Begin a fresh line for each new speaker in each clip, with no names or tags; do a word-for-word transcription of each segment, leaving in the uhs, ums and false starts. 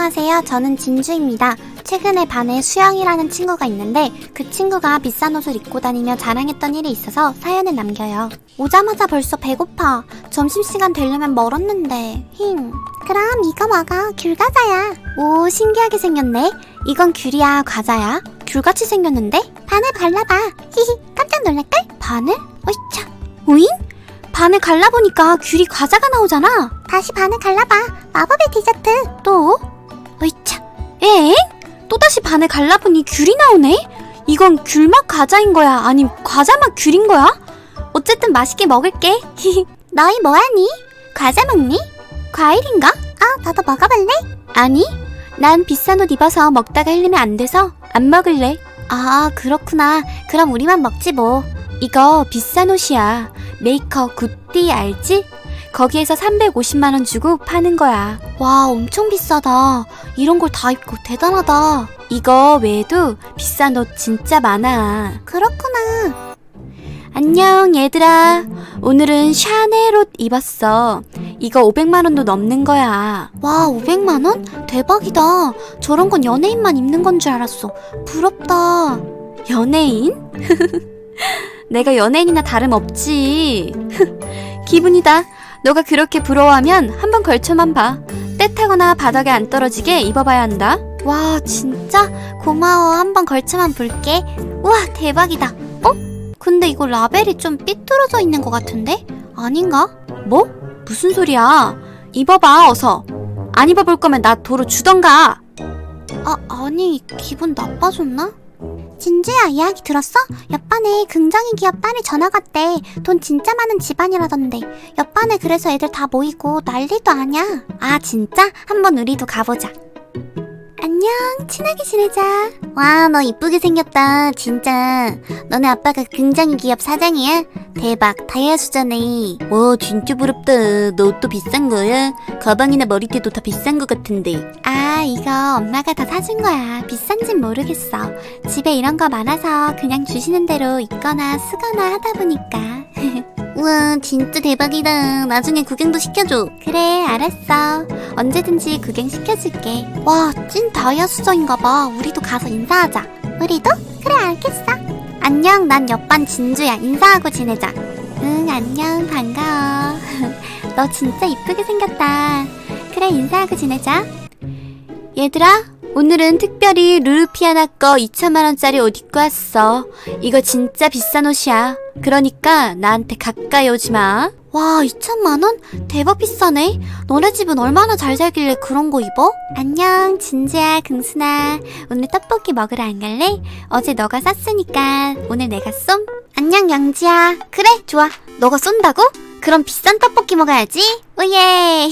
안녕하세요. 저는 진주입니다. 최근에 반에 수영이라는 친구가 있는데 그 친구가 비싼 옷을 입고 다니며 자랑했던 일이 있어서 사연을 남겨요. 오자마자 벌써 배고파. 점심시간 되려면 멀었는데. 힝. 그럼 이거 먹어. 귤과자야. 오, 신기하게 생겼네. 이건 귤이야, 과자야? 귤같이 생겼는데? 바늘 갈라봐. 히히, 깜짝 놀랄걸? 바늘? 어이차. 오잉? 바늘 갈라보니까 귤이 과자가 나오잖아. 다시 바늘 갈라봐. 마법의 디저트. 또? 어이차. 엥? 또다시 바늘 갈라보니 귤이 나오네? 이건 귤맛 과자인 거야? 아님 과자맛 귤인 거야? 어쨌든 맛있게 먹을게. 너희 뭐하니? 과자 먹니? 과일인가? 어, 너도 먹어볼래? 아니, 난 비싼 옷 입어서 먹다가 흘리면 안 돼서 안 먹을래. 아, 그렇구나. 그럼 우리만 먹지 뭐. 이거 비싼 옷이야. 메이커 굿띠 알지? 거기에서 삼백오십만 원 주고 파는 거야. 와, 엄청 비싸다. 이런 걸 다 입고 대단하다. 이거 외에도 비싼 옷 진짜 많아. 그렇구나. 안녕 얘들아. 오늘은 샤넬 옷 입었어. 이거 오백만 원도 넘는 거야. 와, 오백만 원? 대박이다. 저런 건 연예인만 입는 건 줄 알았어. 부럽다. 연예인? 내가 연예인이나 다름없지. 기분이다. 너가 그렇게 부러워하면 한번 걸쳐만 봐. 때 타거나 바닥에 안 떨어지게 입어봐야 한다. 와, 진짜? 고마워. 한번 걸쳐만 볼게. 우와, 대박이다. 어? 근데 이거 라벨이 좀 삐뚤어져 있는 것 같은데? 아닌가? 뭐? 무슨 소리야? 입어봐, 어서. 안 입어볼 거면 나 도로 주던가. 아, 아니, 기분 나빠졌나? 진주야, 이야기 들었어? 옆반에 긍정이 기업 딸이 전학 왔대. 돈 진짜 많은 집안이라던데. 옆반에 그래서 애들 다 모이고 난리도 아냐. 아, 진짜? 한번 우리도 가보자. 안녕, 친하게 지내자. 와, 너 이쁘게 생겼다. 진짜. 너네 아빠가 굉장히 기업 사장이야? 대박, 다이아수잖아. 와, 진짜 부럽다. 너 옷도 비싼 거야? 가방이나 머리띠도 다 비싼 거 같은데. 아, 이거 엄마가 다 사준 거야. 비싼진 모르겠어. 집에 이런 거 많아서 그냥 주시는 대로 입거나 쓰거나 하다 보니까. 우와, 진짜 대박이다. 나중에 구경도 시켜줘. 그래, 알았어. 언제든지 구경 시켜줄게. 와, 찐 다이아 수정인가봐. 우리도 가서 인사하자. 우리도? 그래, 알겠어. 안녕, 난 옆반 진주야. 인사하고 지내자. 응, 안녕, 반가워. 너 진짜 이쁘게 생겼다. 그래, 인사하고 지내자. 얘들아, 오늘은 특별히 루루피아나 거 이천만 원짜리 옷 입고 왔어. 이거 진짜 비싼 옷이야. 그러니까 나한테 가까이 오지 마. 와, 이천만 원? 대박 비싸네. 너네 집은 얼마나 잘 살길래 그런 거 입어? 안녕, 진주야, 긍순아. 오늘 떡볶이 먹으러 안 갈래? 어제 너가 쌌으니까 오늘 내가 쏨. 안녕, 영지야. 그래, 좋아. 너가 쏜다고? 그럼 비싼 떡볶이 먹어야지. 오예.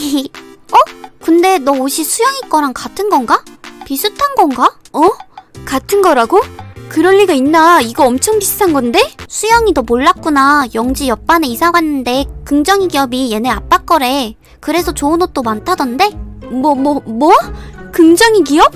어? 근데 너 옷이 수영이 거랑 같은 건가? 비슷한 건가? 어? 같은 거라고? 그럴 리가 있나? 이거 엄청 비싼 건데? 수영이 너 몰랐구나. 영지 옆반에 이사 갔는데 긍정이 기업이 얘네 아빠 거래. 그래서 좋은 옷도 많다던데? 뭐, 뭐, 뭐? 긍정이 기업?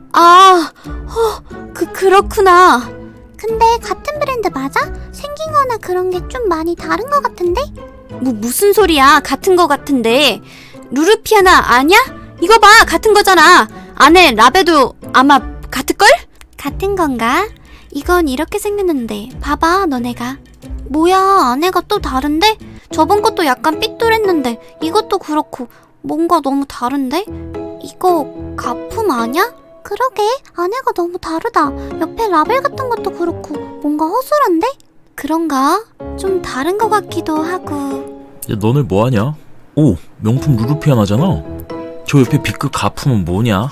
아, 허, 그, 그렇구나. 근데 같은 브랜드 맞아? 생긴 거나 그런 게 좀 많이 다른 거 같은데? 뭐, 무슨 소리야. 같은 거 같은데. 루루피아나 아냐? 이거 봐, 같은 거잖아. 안에 라벨도 아마 같을걸? 같은 건가? 이건 이렇게 생겼는데 봐봐, 너네가. 뭐야, 안에가 또 다른데? 저번 것도 약간 삐뚤했는데 이것도 그렇고 뭔가 너무 다른데? 이거 가품 아냐? 그러게, 안에가 너무 다르다. 옆에 라벨 같은 것도 그렇고 뭔가 허술한데? 그런가? 좀 다른 것 같기도 하고.
야, 너네 뭐하냐? 오, 명품 루루피아나잖아. 저 옆에 B급 가품은 뭐냐?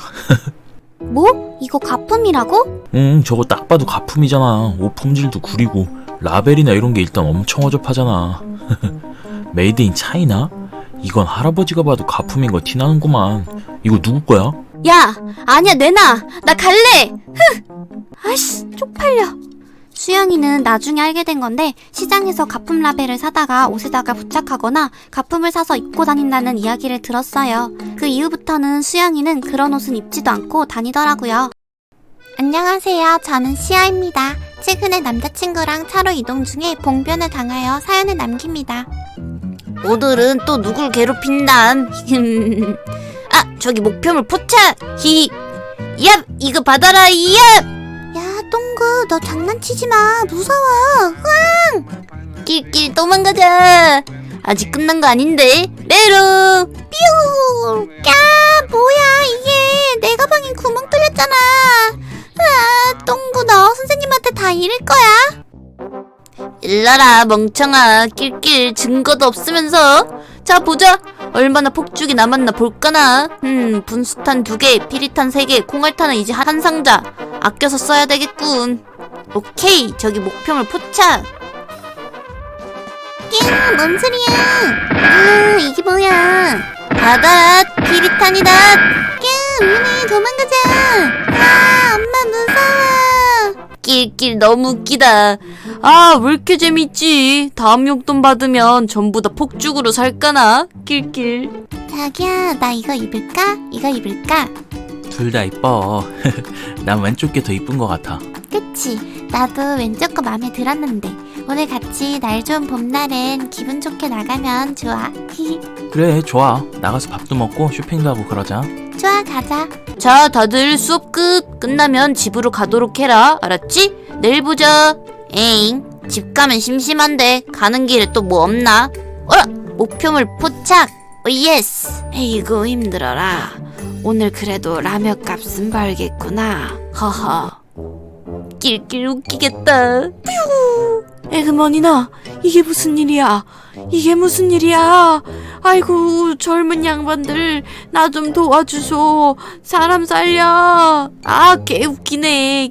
뭐? 이거 가품이라고?
응, 저거 딱 봐도 가품이잖아. 옷 품질도 구리고 라벨이나 이런 게 일단 엄청 어접하잖아. 메이드 인 차이나? 이건 할아버지가 봐도 가품인 거 티나는구만. 이거 누구 거야?
야, 아니야, 내놔. 나 갈래. 흥. 아이씨, 쪽팔려. 수영이는 나중에 알게 된 건데 시장에서 가품 라벨을 사다가 옷에다가 부착하거나 가품을 사서 입고 다닌다는 이야기를 들었어요. 그 이후부터는 수영이는 그런 옷은 입지도 않고 다니더라고요. 안녕하세요. 저는 시아입니다. 최근에 남자친구랑 차로 이동 중에 봉변을 당하여 사연을 남깁니다. 오늘은 또 누굴 괴롭힌담?
아, 저기 목표물 포착. 히히. 얍, 이거 받아라. 얍.
야, 똥구, 너 장난치지 마. 무서워. 으앙!
낄낄 도망가자. 아직 끝난 거 아닌데. 메롱.
뾰! 야, 뭐야, 이게. 내 가방에 구멍 뚫렸잖아. 아, 똥구, 너 선생님한테 다 잃을 거야.
일러라 멍청아. 낄낄 증거도 없으면서. 자 보자. 얼마나 폭죽이 남았나 볼까나. 음 분수탄 두 개, 피리탄 세 개, 콩알탄은 이제 한 상자. 아껴서 써야 되겠군. 오케이, 저기 목표물 포착.
야, 뭔 소리야. 아, 이게 뭐야.
받아, 피리탄이다.
야, 우리 도망가자. 아, 엄마 무서워.
낄낄 너무 웃기다. 아, 왜 이렇게 재밌지? 다음 용돈 받으면 전부 다 폭죽으로 살까나? 낄낄.
자기야, 나 이거 입을까? 이거 입을까?
둘 다 이뻐. 난 왼쪽 게 더 이쁜 것 같아.
그치? 나도 왼쪽 거 마음에 들었는데 오늘 같이 날 좋은 봄날엔 기분 좋게 나가면 좋아.
그래, 좋아. 나가서 밥도 먹고 쇼핑도 하고 그러자.
좋아, 가자.
자, 다들 수업 끝. 끝나면 집으로 가도록 해라. 알았지? 내일 보자. 에잉, 집 가면 심심한데 가는 길에 또 뭐 없나? 어라! 목표물 포착! 오 예스! 에이구 힘들어라. 오늘 그래도 라면 값은 벌겠구나. 허허. 낄낄 웃기겠다. 뾰! 에그머니나, 이게 무슨 일이야? 이게 무슨 일이야? 아이고, 젊은 양반들, 나 좀 도와주소. 사람 살려. 아, 개 웃기네.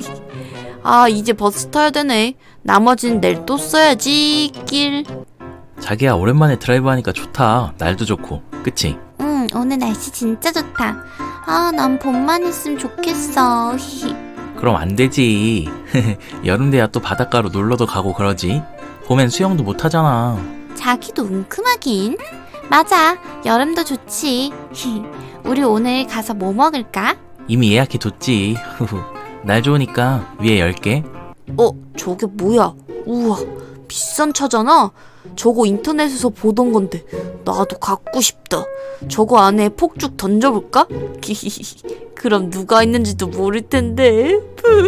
아, 이제 버스 타야 되네. 나머진 내일 또 써야지. 낄.
자기야, 오랜만에 드라이브 하니까 좋다. 날도 좋고. 그치?
응, 오늘 날씨 진짜 좋다. 아, 난 봄만 있으면 좋겠어.
그럼 안 되지. 여름 돼야 또 바닷가로 놀러도 가고 그러지. 봄엔 수영도 못 하잖아.
자기도 웅큼하긴. 맞아, 여름도 좋지. 우리 오늘 가서 뭐 먹을까?
이미 예약해 뒀지. 날 좋으니까 위에 열 개.
어, 저게 뭐야? 우와, 비싼 차잖아? 저거 인터넷에서 보던 건데 나도 갖고 싶다. 저거 안에 폭죽 던져볼까? 그럼 누가 있는지도 모를 텐데.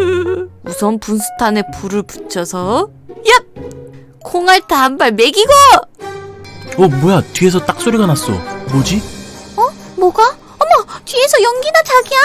우선 분수탄에 불을 붙여서 얍! 콩알타 한 발 먹이고!
어, 뭐야? 뒤에서 딱 소리가 났어. 뭐지?
뭐가? 어머, 뒤에서 연기나 자기야.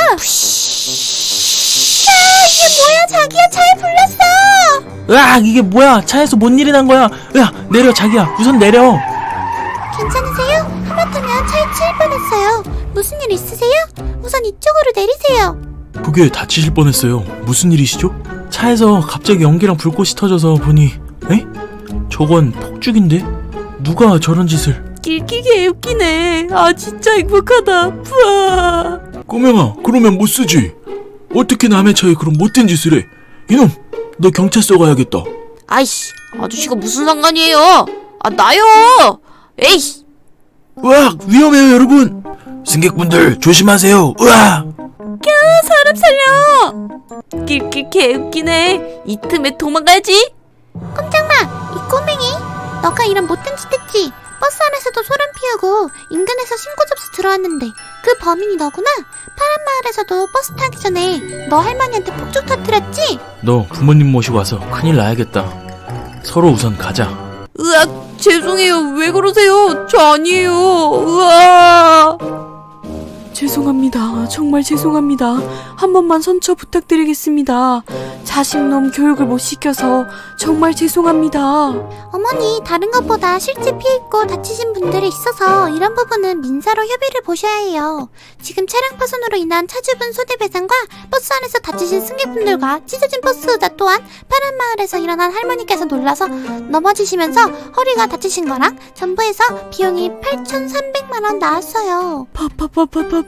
야, 이게 뭐야, 자기야. 차에 불났어.
으악! 이게 뭐야? 차에서 뭔 일이 난 거야? 야, 내려, 자기야. 우선 내려.
괜찮으세요? 하마터면 차에 치일 뻔했어요. 무슨 일 있으세요? 우선 이쪽으로 내리세요.
그게 다치실 뻔했어요. 무슨 일이시죠? 차에서 갑자기 연기랑 불꽃이 터져서 보니, 에? 저건 폭죽인데? 누가 저런 짓을?
낄끼게 웃기네. 아, 진짜 행복하다. 푸아.
꼬맹아, 그러면 못 쓰지. 어떻게 남의 차에 그런 못된 짓을 해? 이놈, 너 경찰서 가야겠다.
아이씨, 아저씨가 무슨 상관이에요? 아, 나요! 에이씨!
으악, 위험해요, 여러분. 승객분들 조심하세요. 으악!
사람 살려! 낄낄 개웃기네. 이 틈에 도망가야지.
꼼짝마, 이 꼬맹이. 너가 이런 못된 짓 했지. 버스 안에서도 소름 피우고 인근에서 신고 접수 들어왔는데 그 범인이 너구나. 파란 마을에서도 버스 타기 전에 너 할머니한테 폭죽 터뜨렸지?
너 부모님 모시고 와서 큰일 나야겠다. 서로 우선 가자.
으악, 죄송해요. 왜 그러세요? 저 아니에요. 으악. 죄송합니다. 정말 죄송합니다. 한 번만 선처 부탁드리겠습니다. 자식놈 교육을 못 시켜서 정말 죄송합니다.
어머니, 다른 것보다 실제 피해 있고 다치신 분들이 있어서 이런 부분은 민사로 협의를 보셔야 해요. 지금 차량 파손으로 인한 차주분 손해배상과 버스 안에서 다치신 승객분들과 찢어진 버스 의자 또한 파란 마을에서 일어난 할머니께서 놀라서 넘어지시면서 허리가 다치신 거랑 전부 해서 비용이 팔천삼백만 원 나왔어요.
파파파파파파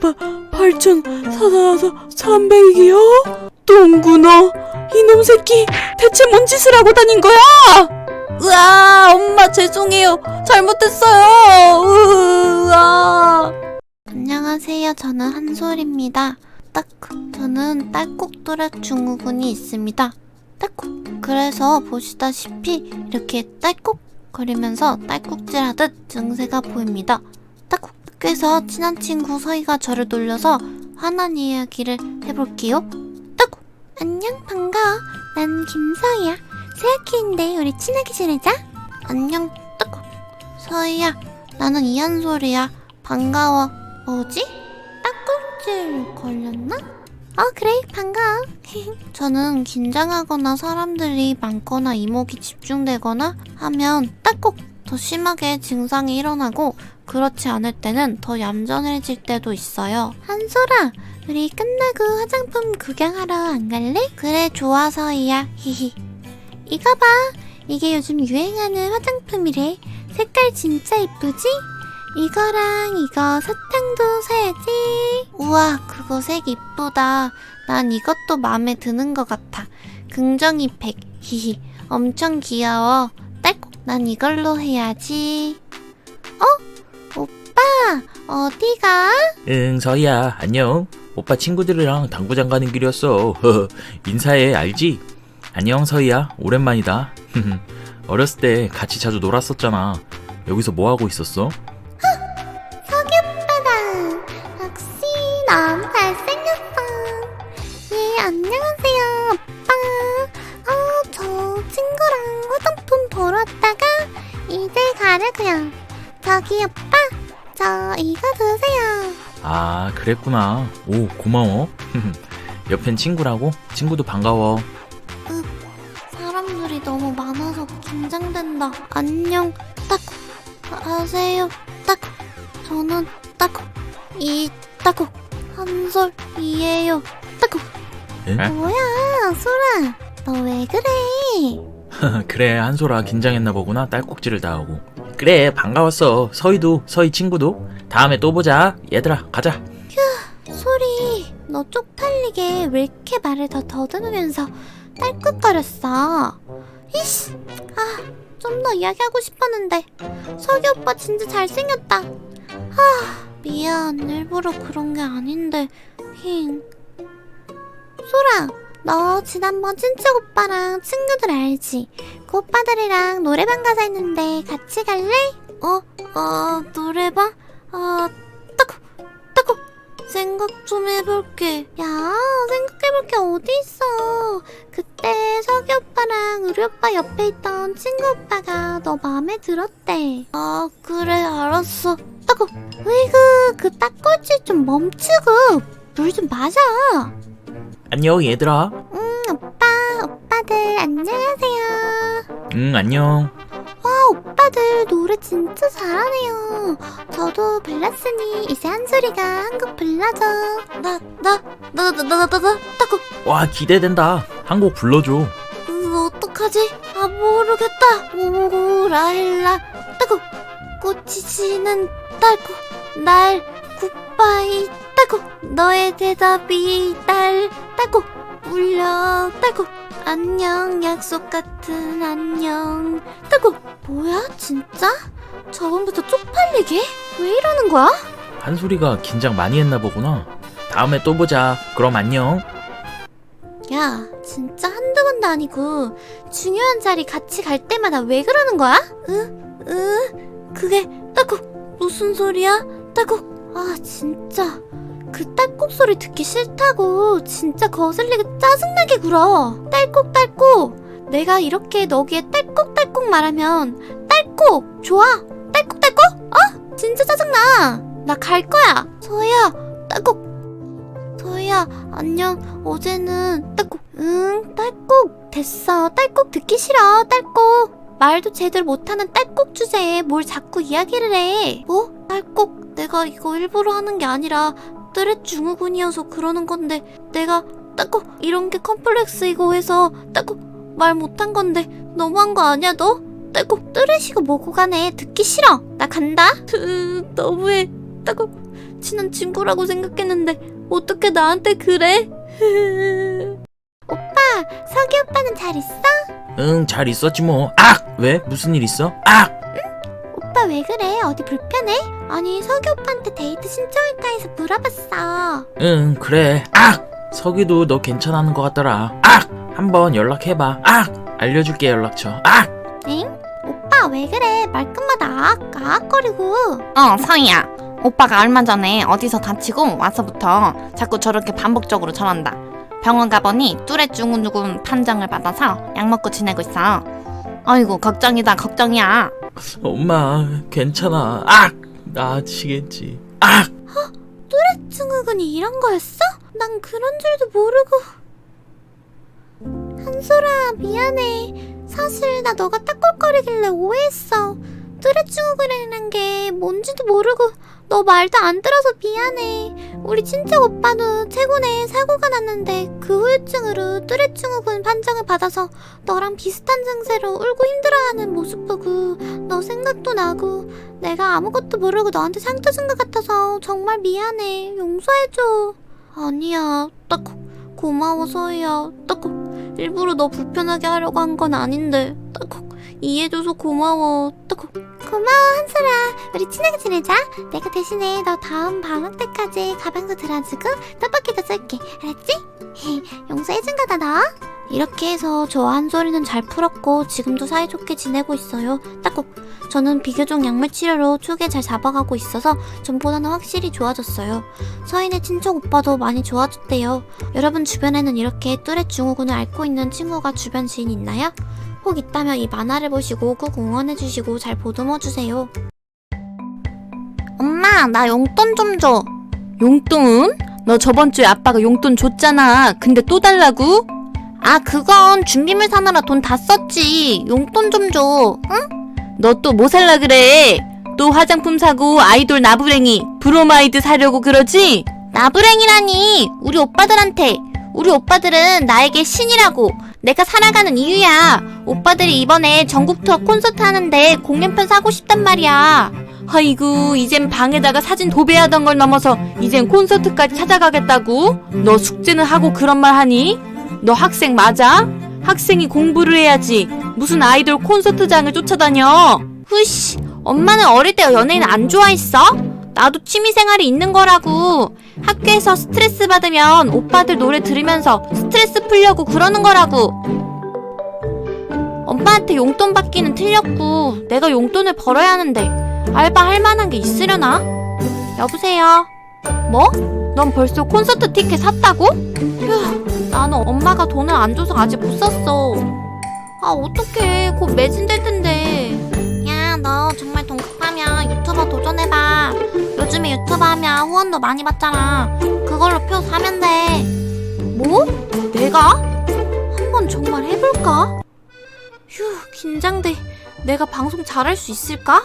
팔천사백이요? 똥구 너 이놈 새끼 대체 뭔 짓을 하고 다닌 거야? 으아, 엄마 죄송해요. 잘못했어요. 으아.
안녕하세요. 저는 한솔입니다. 딱, 저는 딸꾹뚜렛 증후군이 있습니다. 딸꾹. 그래서 보시다시피 이렇게 딸꾹거리면서 딸꾹질하듯 증세가 보입니다. 딸꾹. 학교에서 친한 친구 서희가 저를 놀려서 화난 이야기를 해볼게요. 따고 안녕 반가워. 난 김서희야. 새 학기인데 우리 친하게 지내자. 안녕 따고 서희야. 나는 이한솔이야. 반가워. 뭐지? 딱꼭질 걸렸나? 어 그래 반가워. 저는 긴장하거나 사람들이 많거나 이목이 집중되거나 하면 딱꼭 더 심하게 증상이 일어나고 그렇지 않을 때는 더 얌전해질 때도 있어요. 한솔아 우리 끝나고 화장품 구경하러 안 갈래? 그래 좋아 서희야. 히히. 이거 봐. 이게 요즘 유행하는 화장품이래. 색깔 진짜 이쁘지? 이거랑 이거 사탕도 사야지. 우와 그거 색 이쁘다. 난 이것도 마음에 드는 것 같아. 긍정이 백. 히히. 엄청 귀여워. 딸꾹 난 이걸로 해야지. 어? 오빠 어디가?
응, 서희야, 안녕. 오빠 친구들이랑 당구장 가는 길이었어. 인사해, 알지? 안녕, 서희야. 오랜만이다. 어렸을 때 같이 자주 놀았었잖아. 여기서 뭐 하고 있었어?
석이 오빠다. 역시 너무 잘생겼어. 예 안녕하세요 오빠. 어, 저 친구랑 화장품 보러 왔다가 이제 가려고요. 저기 오빠 저 이거 드세요.
아, 그랬구나. 오, 고마워. 옆엔 친구라고? 친구도 반가워.
사람들이 너무 많아서 긴장된다. 안녕 딱 하세요. 딱 저는 딱 이 딱 한솔이에요. 딱
에?
뭐야 소라 너 왜 그래?
그래, 한솔아 긴장했나 보구나. 딸꾹질을 다 하고. 그래, 반가웠어. 서희도, 서희 친구도. 다음에 또 보자. 얘들아, 가자.
소리 너 쪽팔리게 왜 이렇게 말을 더 더듬으면서 딸꾹거렸어? 이씨 아 좀 더 이야기하고 싶었는데. 석이 오빠 진짜 잘생겼다. 아 미안 일부러 그런 게 아닌데. 힝. 소라 너 지난번 친척 오빠랑 친구들 알지? 그 오빠들이랑 노래방 가자 했는데 같이 갈래? 어? 어 노래방? 아 따고 따고 생각 좀 해볼게. 야 생각해볼 게 어디 있어. 그때 석이 오빠랑 우리 오빠 옆에 있던 친구 오빠가 너 마음에 들었대. 아 그래 알았어. 따고 으이그 그 딱꼴질 좀 멈추고 물 좀 마셔.
안녕, 얘들아.
응 오빠 오빠들 안녕하세요.
응, 안녕.
와 오빠들 노래 진짜 잘하네요. 저도 불렀으니 이제 한솔이가 한 곡 불러줘. 나 나 나 나 나 나 나 따고
와, 기대된다. 한 곡 불러줘.
으, 어떡하지? 아 모르겠다. 오라일라 따고 꽃이 지는 딸고 날 굿바이 따고 너의 대답이 날 따고 울려 따고 안녕 약속 같은 안녕 따고 뭐야 진짜? 저번부터 쪽팔리게? 왜 이러는 거야?
한솔이가 긴장 많이 했나 보구나. 다음에 또 보자. 그럼 안녕.
야 진짜 한두 번도 아니고 중요한 자리 같이 갈 때마다 왜 그러는 거야? 으? 으? 그게 딸꾹 무슨 소리야? 딸꾹 아 진짜 그 딸꾹 소리 듣기 싫다고. 진짜 거슬리게 짜증나게 굴어. 딸꾹딸꾹 내가 이렇게 너기에 딸꾹딸꾹 말하면 딸꾹 좋아? 딸꾹딸꾹? 어? 진짜 짜증나. 나 갈 거야. 서희야 딸꾹. 서희야 안녕. 어제는 딸꾹 응 딸꾹 됐어. 딸꾹 듣기 싫어. 딸꾹 말도 제대로 못하는 딸꾹 주제에 뭘 자꾸 이야기를 해. 뭐? 딸꾹 내가 이거 일부러 하는 게 아니라 뚜렛 증후군이어서 그러는 건데 내가 딸꾹 이런 게 컴플렉스이고 해서 딸꾹 말 못한 건데 너무한 거 아니야 너? 딸꾹 뚜렛이고 뭐고 간에 듣기 싫어. 나 간다. 으, 너무해. 딸꾹 친한 친구라고 생각했는데 어떻게 나한테 그래? 오빠 석이 오빠는 잘 있어?
응, 잘 있었지 뭐. 악! 왜? 무슨 일 있어? 악!
오빠 왜 그래? 어디 불편해? 아니 석이 오빠한테 데이트 신청할까 해서 물어봤어.
응, 그래. 악! 석이도 너 괜찮아하는 것 같더라. 악! 한번 연락해봐. 악! 알려줄게, 연락처. 악!
엥? 오빠 왜 그래? 말끝마다 아악 아악거리고.
어, 서희야.
오빠가 얼마 전에 어디서 다치고 와서부터 자꾸 저렇게 반복적으로 저런다. 병원 가보니 뚜레 증후군 판정을 받아서 약 먹고 지내고 있어. 아이고 걱정이다 걱정이야.
엄마, 괜찮아. 악! 나아지겠지. 악!
증후군이 이런 거였어? 난 그런 줄도 모르고. 한솔아, 미안해. 사실 나 너가 딱꼴거리길래 오해했어. 뚜레 증후군이라는 게 뭔지도 모르고 너 말도 안 들어서 미안해. 우리 친척 오빠도 최근에 사고가 났는데 그 후유증으로 뚜레 증후군 판정을 받아서 너랑 비슷한 증세로 울고 힘들어하는 모습 보고 너 생각도 나고 내가 아무것도 모르고 너한테 상처 준 것 같아서 정말 미안해. 용서해줘. 아니야. 딱 고마워 서희야. 딱 일부러 너 불편하게 하려고 한 건 아닌데 딱 이해해줘서 고마워. 딱 고마워 한솔아. 우리 친하게 지내자. 내가 대신에 너 다음 방학 때까지 가방도 들어주고 떡볶이도 쏠게. 알았지? 용서해준 거다 너. 이렇게 해서 저 한솔이는 잘 풀었고 지금도 사이좋게 지내고 있어요. 딱꼭 저는 비교적 약물 치료로 축에 잘 잡아가고 있어서 전보다는 확실히 좋아졌어요. 서인의 친척 오빠도 많이 좋아졌대요. 여러분 주변에는 이렇게 뚜레 증후군을 앓고 있는 친구가 주변 지인 있나요? 혹 있다면 이 만화를 보시고 꼭 응원해주시고 잘 보듬어주세요.
엄마 나 용돈 좀 줘. 용돈? 너 저번 주에 아빠가 용돈 줬잖아. 근데 또 달라고? 아 그건 준비물 사느라 돈 다 썼지. 용돈 좀 줘. 응? 너 또 뭐 살라 그래? 또 화장품 사고 아이돌 나부랭이 브로마이드 사려고 그러지? 나부랭이라니 우리 오빠들한테. 우리 오빠들은 나에게 신이라고. 내가 살아가는 이유야. 오빠들이 이번에 전국 투어 콘서트 하는데 공연편 사고 싶단 말이야. 아이고 이젠 방에다가 사진 도배하던 걸 넘어서 이젠 콘서트까지 찾아가겠다고? 너 숙제는 하고 그런 말 하니? 너 학생 맞아? 학생이 공부를 해야지. 무슨 아이돌 콘서트장을 쫓아다녀. 후씨, 엄마는 어릴 때 연예인 안 좋아했어? 나도 취미생활이 있는 거라고. 학교에서 스트레스 받으면 오빠들 노래 들으면서 스트레스 풀려고 그러는 거라고. 엄마한테 용돈 받기는 틀렸고 내가 용돈을 벌어야 하는데 알바 할 만한 게 있으려나? 여보세요? 뭐? 넌 벌써 콘서트 티켓 샀다고? 휴, 나는 엄마가 돈을 안 줘서 아직 못 샀어. 아 어떡해, 곧 매진될 텐데. 야, 너 정말 돈 급하면 유튜버 도전해봐. 요즘에 유튜버 하면 후원도 많이 받잖아. 그걸로 표 사면 돼. 뭐? 내가? 한번 정말 해볼까? 휴, 긴장돼. 내가 방송 잘할 수 있을까?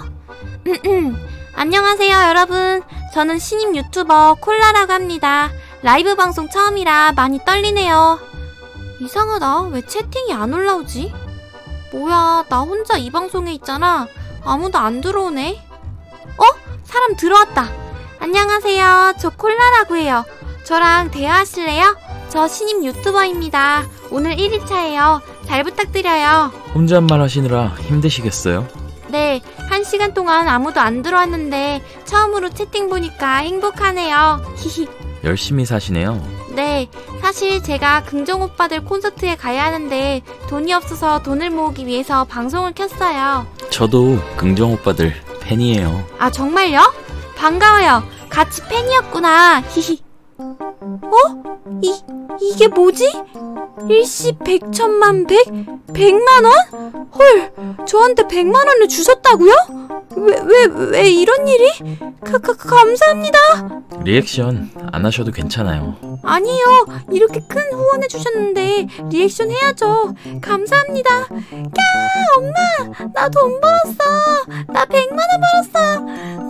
안녕하세요 여러분. 저는 신임 유튜버 콜라라고 합니다. 라이브 방송 처음이라 많이 떨리네요. 이상하다. 왜 채팅이 안 올라오지? 뭐야, 나 혼자 이 방송에 있잖아. 아무도 안 들어오네. 어? 사람 들어왔다. 안녕하세요. 저 콜라라고 해요. 저랑 대화하실래요? 저 신임 유튜버입니다. 오늘 일 일차예요. 잘 부탁드려요.
혼잣말 하시느라 힘드시겠어요?
네, 한 시간 동안 아무도 안 들어왔는데 처음으로 채팅 보니까 행복하네요. 히히.
열심히 사시네요.
네, 사실 제가 긍정 오빠들 콘서트에 가야 하는데 돈이 없어서 돈을 모으기 위해서 방송을 켰어요.
저도 긍정 오빠들 팬이에요.
아 정말요? 반가워요. 같이 팬이었구나. 히히. 어? 이, 이게 뭐지? 일시 백천만 백? 백만 원? 헐, 저한테 백만 원을 주셨다고요? 왜, 왜, 왜 이런 일이? 가, 가, 감사합니다.
리액션 안 하셔도 괜찮아요.
아니요, 이렇게 큰 후원해 주셨는데 리액션 해야죠. 감사합니다. 야, 엄마, 나 돈 벌었어. 나 백만 원 벌었어.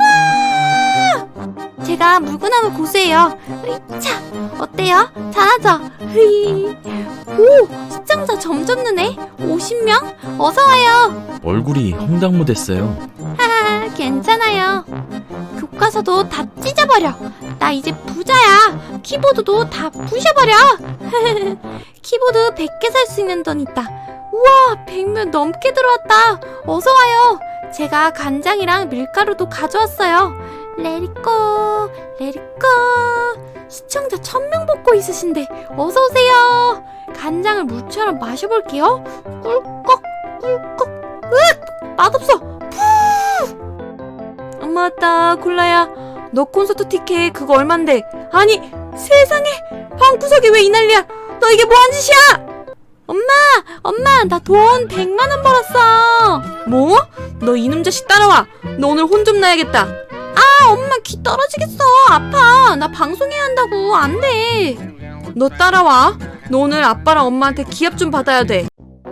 와! 제가 물구나무 고수예요. 으이차, 어때요? 잘하죠? 흐이. 오, 시청자 점점 느네. 오십 명? 어서 와요.
얼굴이 홍당무 됐어요.
하하, 괜찮아요. 교과서도 다 찢어버려. 나 이제 부자야. 키보드도 다 부셔버려. 키보드 백 개 살 수 있는 돈 있다. 우와, 백 명 넘게 들어왔다. 어서 와요. 제가 간장이랑 밀가루도 가져왔어요. 레리꼬, 레리꼬. 시청자 천 명 뽑고 있으신데 어서 오세요. 간장을 물처럼 마셔볼게요. 꿀꺽, 꿀꺽. 으악! 맛없어. 푸! 엄마 왔다. 콜라야. 너 콘서트 티켓 그거 얼만데? 아니 세상에 방구석에 왜 이 난리야? 너 이게 뭐한 짓이야? 엄마 엄마 나 돈 백만 원 벌었어. 뭐? 너 이놈 자식 따라와. 너 오늘 혼 좀 나야겠다. 아 엄마 귀 떨어지겠어. 아파. 나 방송해야 한다고. 안 돼. 너 따라와. 너 오늘 아빠랑 엄마한테 기합 좀 받아야 돼.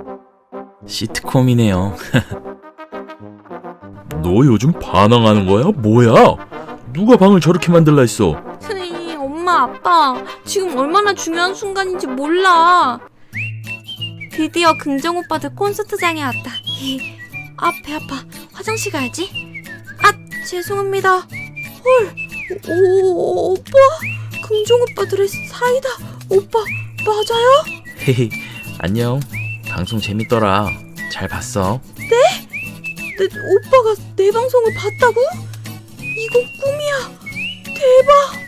시트콤이네요. 너 요즘 반항하는 거야? 뭐야? 누가 방을 저렇게 만들라 했어?
스이, 엄마 아빠 지금 얼마나 중요한 순간인지 몰라. 드디어 긍정 오빠들 콘서트장에 왔다. 아 배 아파. 화장실 가야지. 아 죄송합니다. 헐 오, 오빠 긍정 오빠들의 사이다. 오빠 맞아요?
헤헤, 안녕. 방송 재밌더라. 잘 봤어.
내 오빠가 내 방송을 봤다고? 이건 꿈이야. 대박.